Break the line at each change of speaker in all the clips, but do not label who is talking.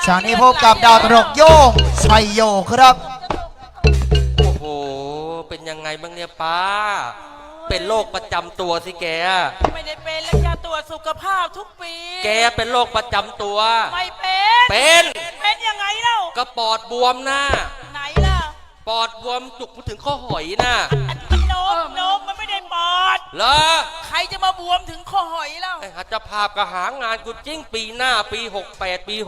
จากนี้พบกับดาวตลกโย่งชัยโยครับ
โอ้โหเป็นยังไงบ้างเนี่ยป้าเป็นโรคประจำตัวสิแก
ไม่ได้เป็นแล้วจะตรวจสุขภาพทุกปี
แกเป็นโรคประจำตัว
ไม่เป็นยังไงเล่า
ก็ปอดบวมนะ
ไหนล่ะ
ปอดบวมจุกถึงข้อหอยนะ
มันโนมมันไม่ได้ปอด
เหรอ
ใครจะมาบวมถึงข้อหอยเล่า
ไอ้หัตถภาพก็หางานกูจิ้งปีหน้าปี68ปี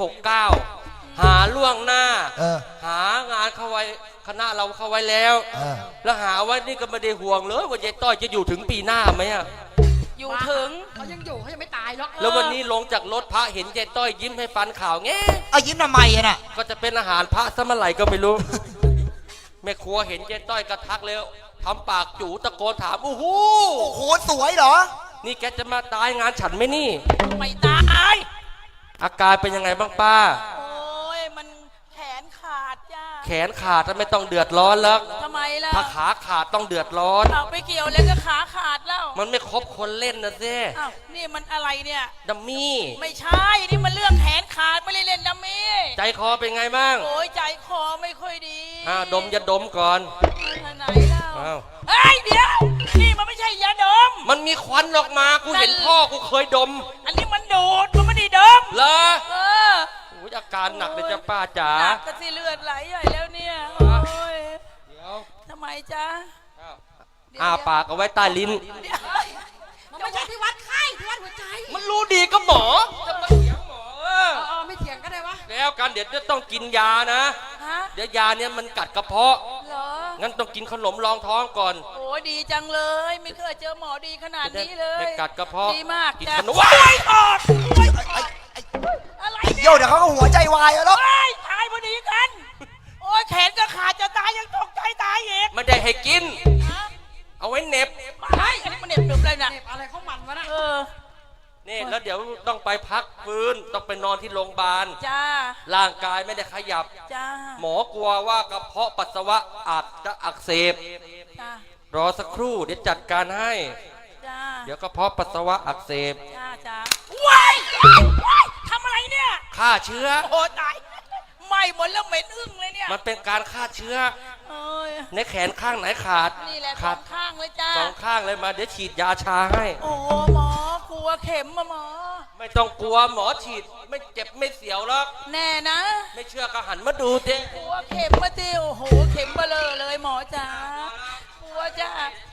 69หาล่วงหน้าหางานเข้าไว้คณะเราเข้าไว้แล้วแล้วหาไว้นี่ก็ไม่ได้ห่วงเลยว่ายายต้อยจะอยู่ถึงปีหน้าไหมอะ
อยู่ถึง
เขายังอยู่เขายังไม่ตายหรอก
แล้ววันนี้ลงจากรถพระเห็นยายต้อยยิ้มให้ฟันข่าวแง่
ยิ้มทำไมอะน่ะ
ก็จะเป็นอาหารพระสมัยไหร่ก็ไม่รู้แม่ครัวเห็นยายต้อยกระทักเลยทำปากจู๋ตะโกนถามโอ้โห
สวยเหรอ
นี่แกจะมาตายงานฉันไหมนี่
ไม่ตาย
อาการเป็นยังไงบ้างป้า
โอ้ยมันแขนขาดจ้า
แขนขาดไม่ต้องเดือดร้อนแล้ว
ทำไมล่ะ
ถ้าขาขาดต้องเดือดร้อน
เอาไปเกี่ยวแล้วก็ขาขาดแล้ว
มันไม่ครบคนเล่นนะเซ่
อ้าวนี่มันอะไรเนี่ย
ดัมมี่
ไม่ใช่นี่มันเรื่องแขนขาดไม่ได้เล่นดัมมี่
ใจคอเป็นไงบ้าง
โอ้ยใจคอไม่ค่อยดี
ดมยาดมก่อน
ไหนเล่าเฮ้ยเดี๋ยวนี่มันไม่ใช่ยาดม
มันมีควันออกมากูเห็นพ่อกูเคยดม
อันนี้มันดูดมันไม่ได้ดม
เหรออาการหนักเลยจ้ะป้าจ๋า
หนักก็สิเลือดไหลใหญ่แล้วเนี่ยโอ้ย
เดี๋ยว
ทำไมจ๊ะ
ปากเอาไว้ใต้ลิ้น
มันไม่ใช่ที่วัดไข้ที่วัดหัวใจ
มันรู้ดีก็หมอจะมาเถียงหมอ
ไม่เถียงก็ได้วะ
แล้วกันเดี๋ยวจะต้องกินยานะเดี๋ยวยาเนี่ยมันกัดกระเพาะงั้นต้องกินขนมรองท้องก่อน
โอ้ดีจังเลยไม่เคยเจอหมอดีขนาดนี้เลย
ไม่กัดกระเพาะ
ดีมาก
กิน
ข
นม
ว้ายอด
อะไรโยเดี๋ยวเขาก็หัวใจวายแล้ว
ตายพอดีกันโอ้ยแขนก็ขาดจะตายยังตกใจตายอีก
ไม่ได้ให้กินเอาไว้เน็บ
อันนี้มันเน็บเลยนะ
เน็บอะไรของมันวะนะ
นี่แล้วเดี๋ยวต้องไปพักฟื้นต้องไปนอนที่โรงพยาบาล
จ้า
ร่างกายไม่ได้ขยับ
จ้า
หมอกลัวว่ากระเพาะปัสสาวะอาจจะอักเสบรอสักครู่เดี๋ยวจัดการให้เดี๋ยวกระเพาะปัสสาวะอักเสบ
จ้าว้ายทำอะไรเนี่ย
ฆ่าเชื้อ
โอ้ตายไหม้หมดแล้วเหม็นอึ้งเลยเนี่ย
มันเป็นการฆ่าเชื้อในแขนข้างไหนขาด
นี่แหละขาดข้างเลยจ้า
สองข้างเลยมาเดี๋ยวฉีดยาชาให้
โอ้หมอกลัวเข็มมาหมอ
ไม่ต้องกลัวหมอฉีดไม่เจ็บไม่เสียวหรอก
แน่นะ
ไม่เชื่อก็หันมาดูเต้
กลัวเข็มมาเต้โอ้โหเข็มเบลอเลยหมอจ้ากลัวจ้า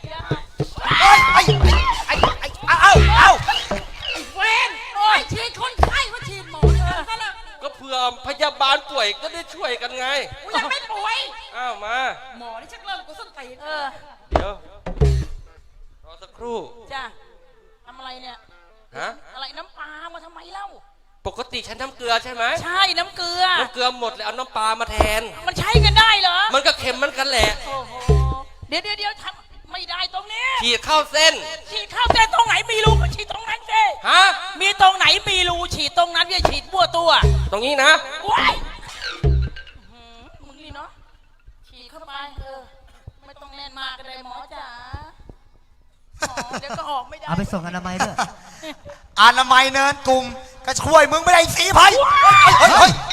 เอาเวนโอ้ยฉีดคนไข้ว่าฉีดหมอ
ก็เผื่อพยาบาลป่วยก็ได้ช่วยกันไง
ยังไม่ป่วย
มา
หมอนี่ชักเริ่มกูส้นตีน
เดี๋ยวรอสักครู่
จ้าทำอะไรเนี่ยอะไรน้ำปลามาทำไมเล่า
ปกติใช้น้ำเกลือใช่ไหม
ใช่น้ำเกลือ
หมดเลยเอาน้ำปลามาแทน
มันใช้กันได้เหรอ
มันก็เค็มมันกันแหละ
โอ้โหเดี๋ยวทำไม่ได้ตรงนี้
ฉีดเข้าเส้น
ตรงไหนมีรูก็ฉีดตรงนั้นสิมีตรงไหนมีรูฉีดตรงนั้นอย่าฉีดมั่วตัว
ตรงนี้นะ
ว้ายมึงนี่เนาะฉีดเข้าไปไม่ต้องแน่นมากก็ได้หมอจ๋าเดี๋ยวก็ออกไม่ได้
เอาไปส่งอนามัยด้วยอนามัยเนินกลุ่มก็ช่วยมึงไม่ได้สีภัย